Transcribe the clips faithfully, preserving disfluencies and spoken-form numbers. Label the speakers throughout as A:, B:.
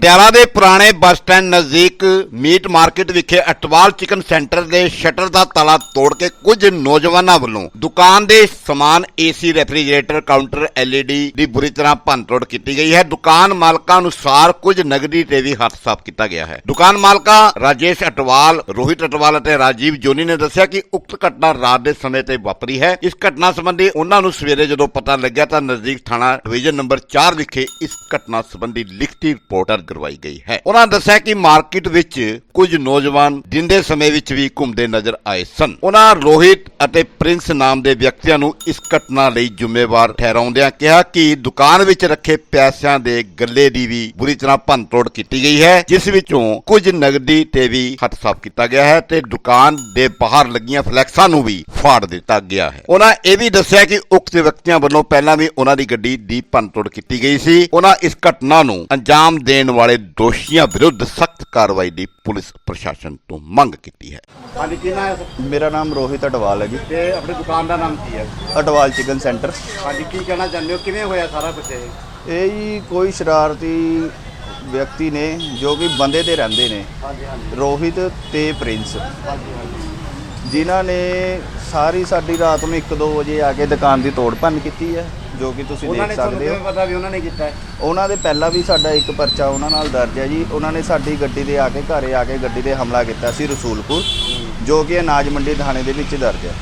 A: ਪਟਿਆਲਾ ਦੇ ਪੁਰਾਣੇ bus stand ਨਜ਼ਦੀਕ ਮੀਟ ਮਾਰਕੀਟ ਵਿਖੇ ਅਟਵਾਲ ਚਿਕਨ ਸੈਂਟਰ ਦੇ ਸ਼ਟਰ ਦਾ ਤਾਲਾ ਤੋੜ ਕੇ ਕੁਝ ਨੌਜਵਾਨਾਂ ਵੱਲੋਂ ਦੁਕਾਨ ਦੇ ਸਮਾਨ ਏਸੀ, ਰੈਫਰੀਜਰੇਟਰ, ਕਾਊਂਟਰ, ਐਲਈਡੀ ਦੀ ਬੁਰੀ ਤਰ੍ਹਾਂ ਭੰਨਤੋੜ ਕੀਤੀ ਗਈ ਹੈ। ਦੁਕਾਨ ਮਾਲਕਾਂ ਅਨੁਸਾਰ ਕੁਝ ਨਗਦੀ ਤੇ ਵੀ ਹੱਥ ਸਾਫ਼ ਕੀਤਾ ਗਿਆ ਹੈ। ਦੁਕਾਨ ਮਾਲਕਾਂ ਰਾਜੇਸ਼ ਅਟਵਾਲ, ਰੋਹਿਤ ਅਟਵਾਲ ਅਤੇ ਰਾਜੀਵ ਜੋਨੀ ਨੇ ਦੱਸਿਆ ਕਿ ਉਕਤ ਘਟਨਾ ਰਾਤ ਦੇ ਸਮੇਂ ਤੇ ਵਾਪਰੀ ਹੈ। ਇਸ ਘਟਨਾ ਸੰਬੰਧੀ ਉਹਨਾਂ ਨੂੰ ਸਵੇਰੇ ਜਦੋਂ ਪਤਾ ਲੱਗਿਆ ਤਾਂ ਨਜ਼ਦੀਕ ਥਾਣਾ ਡਿਵੀਜ਼ਨ ਨੰਬਰ ਚਾਰ ਵਿਖੇ ਇਸ ਘਟਨਾ ਸੰਬੰਧੀ ਲਿਖਤੀ ਰਿਪੋਰਟ ਕਰਵਾਈ ਗਈ ਹੈ। ਉਹਨਾਂ ਦੱਸਿਆ ਕਿ ਮਾਰਕੀਟ ਵਿੱਚ ਕੁਝ ਨੌਜਵਾਨ ਦਿਨ ਦੇ ਸਮੇਂ ਵਿੱਚ ਵੀ ਘੁੰਮਦੇ ਨਜ਼ਰ ਆਏ ਸਨ। ਉਹਨਾਂ ਰੋਹਿਤ ਅਤੇ ਪ੍ਰਿੰਸ ਨਾਮ ਦੇ ਵਿਅਕਤੀਆਂ ਨੂੰ ਇਸ ਘਟਨਾ ਲਈ ਜ਼ਿੰਮੇਵਾਰ ਠਹਿਰਾਉਂਦਿਆਂ ਕਿਹਾ ਕਿ ਦੁਕਾਨ ਵਿੱਚ ਰੱਖੇ ਪੈਸਿਆਂ ਦੇ ਗੱਲੇ ਦੀ ਵੀ ਬੁਰੀ ਤਰ੍ਹਾਂ ਭੰਨਤੋੜ ਕੀਤੀ ਗਈ ਹੈ, ਜਿਸ ਵਿੱਚੋਂ ਕੁਝ ਨਗਦੀ ਤੇ ਵੀ ਹੱਥ ਸਾਫ਼ ਕੀਤਾ ਗਿਆ ਹੈ ਤੇ ਦੁਕਾਨ ਦੇ ਬਾਹਰ ਲੱਗੀਆਂ ਫਲੈਕਸਾਂ ਨੂੰ ਵੀ ਫਾੜ ਦਿੱਤਾ ਗਿਆ ਹੈ। ਉਹਨਾਂ ਇਹ ਵੀ ਦੱਸਿਆ ਕਿ ਉਕਤ ਵਿਅਕਤੀਆਂ ਵੱਲੋਂ ਪਹਿਲਾਂ ਵੀ ਉਹਨਾਂ ਦੀ ਗੱਡੀ ਦੀ ਭੰਨਤੋੜ ਕੀਤੀ ਗਈ ਸੀ। ਉਹਨਾਂ ਇਸ ਘਟਨਾ ਨੂੰ ਅੰਜਾਮ ਦੇਣ ਵਾਲੇ ਦੋਸ਼ੀਆਂ ਵਿਰੁੱਧ ਸਖਤ ਕਾਰਵਾਈ ਦੀ ਪੁਲਿਸ ਪ੍ਰਸ਼ਾਸਨ ਤੋਂ ਮੰਗ ਕੀਤੀ ਹੈ।
B: ਹਾਂਜੀ, ਕੀ ਨਾਮ ਹੈ?
C: ਮੇਰਾ ਨਾਮ ਰੋਹਿਤ ਅਟਵਾਲ ਹੈ ਜੀ।
B: ਤੇ ਆਪਣੀ ਦੁਕਾਨ ਦਾ ਨਾਮ ਕੀ ਹੈ?
C: Atwal chicken centre.
B: ਹਾਂਜੀ, ਕੀ ਕਹਿਣਾ ਚਾਹੁੰਦੇ ਹੋ, ਕਿਵੇਂ ਹੋਇਆ ਸਾਰਾ ਕੁਝ ਇਹ?
C: ਇਹ ਜੀ ਕੋਈ ਸ਼ਰਾਰਤੀ ਵਿਅਕਤੀ ਨੇ ਜੋ ਕਿ ਬੰਦੇ ਤੇ ਰਹਿੰਦੇ ਨੇ,
B: ਹਾਂਜੀ ਹਾਂਜੀ
C: ਰੋਹਿਤ ਤੇ ਪ੍ਰਿੰਸ,
B: ਹਾਂਜੀ ਹਾਂਜੀ
C: ਜਿਨ੍ਹਾਂ ਨੇ ਸਾਰੀ ਸਾਡੀ ਰਾਤ ਨੂੰ ਇੱਕ ਦੋ ਵਜੇ ਆ ਕੇ ਦੁਕਾਨ ਦੀ ਤੋੜ ਭੰਨ ਕੀਤੀ ਹੈ, ਜੋ ਕਿ ਤੁਸੀਂ
B: ਉਹਨਾਂ
C: ਦੇਖ
B: ਨੇ ਤੁਹਾਨੂੰ
C: ਸਕਦੇ
B: ਕਿਵੇਂ
C: ਹੋ।
B: ਪਤਾ ਵੀ ਉਹਨਾਂ ਨੇ ਕੀਤਾ ਹੈ?
C: ਉਹਨਾਂ ਦੇ ਪਹਿਲਾਂ ਵੀ ਸਾਡਾ ਇੱਕ ਪਰਚਾ ਉਹਨਾਂ ਨਾਲ ਦਰਜ ਹੈ ਜੀ। ਉਹਨਾਂ ਨੇ ਸਾਡੀ ਗੱਡੀ ਦੇ ਆ ਕੇ ਘਰੇ ਆ ਕੇ ਗੱਡੀ 'ਤੇ ਹਮਲਾ ਕੀਤਾ ਸੀ ਰਸੂਲਪੁਰ, ਜੋ ਕਿ ਅਨਾਜ ਮੰਡੀ ਥਾਣੇ ਦੇ ਵਿੱਚ ਦਰਜ ਹੈ।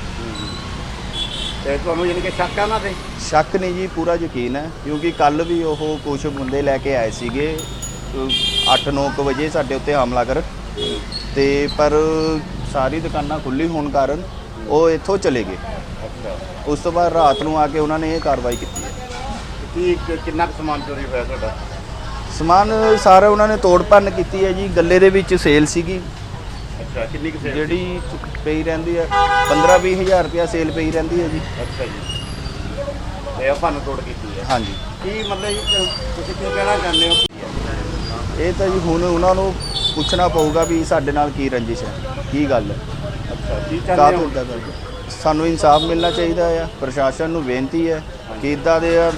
B: ਤੇ ਤੁਹਾਨੂੰ ਯਾਨੀ ਕਿ ਸ਼ੱਕ ਹੈ ਉਹਨਾਂ ਤੇ?
C: ਸ਼ੱਕ ਨਹੀਂ ਜੀ, ਪੂਰਾ ਯਕੀਨ ਹੈ, ਕਿਉਂਕਿ ਕੱਲ ਵੀ ਉਹ ਕੁਝ ਬੰਦੇ ਲੈ ਕੇ ਆਏ ਸੀਗੇ ਅੱਠ ਨੌ ਕੁ ਵਜੇ ਸਾਡੇ ਉੱਤੇ ਹਮਲਾ ਕਰਨ, ਤੇ ਪਰ ਸਾਰੀ ਦੁਕਾਨਾਂ ਖੁੱਲ੍ਹੀ ਹੋਣ ਕਾਰਨ ਉਹ ਇੱਥੋਂ ਚਲੇ ਗਏ।
B: ਅੱਛਾ,
C: ਉਸ ਤੋਂ ਬਾਅਦ ਰਾਤ ਨੂੰ ਆ ਕੇ ਉਹਨਾਂ ਨੇ ਇਹ ਕਾਰਵਾਈ ਕੀਤੀ ਹੈ।
B: ਕੀ ਕਿ- ਕਿੰਨਾ ਕੁ ਸਮਾਨ ਚੋਰੀ ਹੋਇਆ ਤੁਹਾਡਾ?
C: ਸਮਾਨ ਸਾਰਾ ਉਹਨਾਂ ਨੇ ਤੋੜ ਭੰਨ ਕੀਤੀ ਹੈ ਜੀ। ਗੱਲੇ ਦੇ ਵਿੱਚ ਸੇਲ ਸੀਗੀ
B: ਅੱਛਾ, ਕਿੰਨੀ ਕੁ ਸੇਲ?
C: ਜਿਹੜੀ ਪਈ ਰਹਿੰਦੀ ਹੈ ਪੰਦਰਾਂ ਵੀਹ ਹਜ਼ਾਰ ਰੁਪਇਆ ਸੇਲ ਪਈ ਰਹਿੰਦੀ ਹੈ ਜੀ।
B: ਅੱਛਾ ਜੀ, ਤੇ ਆਪਾਂ ਨੂੰ ਤੋੜ ਕੀਤੀ ਹੈ।
C: ਹਾਂਜੀ,
B: ਕੀ ਮਤਲਬ ਜੀ, ਤੁਸੀਂ ਕੀ ਕਹਿਣਾ ਚਾਹੁੰਦੇ ਹੋ?
C: ਇਹ ਤਾਂ ਜੀ ਹੁਣ ਉਹਨਾਂ ਨੂੰ ਪੁੱਛਣਾ ਪਊਗਾ ਵੀ ਸਾਡੇ ਨਾਲ ਕੀ ਰੰਜਿਸ਼ ਹੈ, ਕੀ ਗੱਲ ਹੈ,
B: ਅੱਛਾ, ਕੀ
C: ਕਾਹ
B: ਚਾਹੁੰਦੇ
C: ਤੋਂ
B: ਹੋ?
C: ਇੱਦਾਂ ਕਰਦੇ। ਸਾਨੂੰ ਇਨਸਾਫ ਮਿਲਣਾ ਚਾਹੀਦਾ ਆ। ਪ੍ਰਸ਼ਾਸਨ ਨੂੰ ਬੇਨਤੀ ਹੈ ਕਿ ਇੱਦਾਂ ਦੇ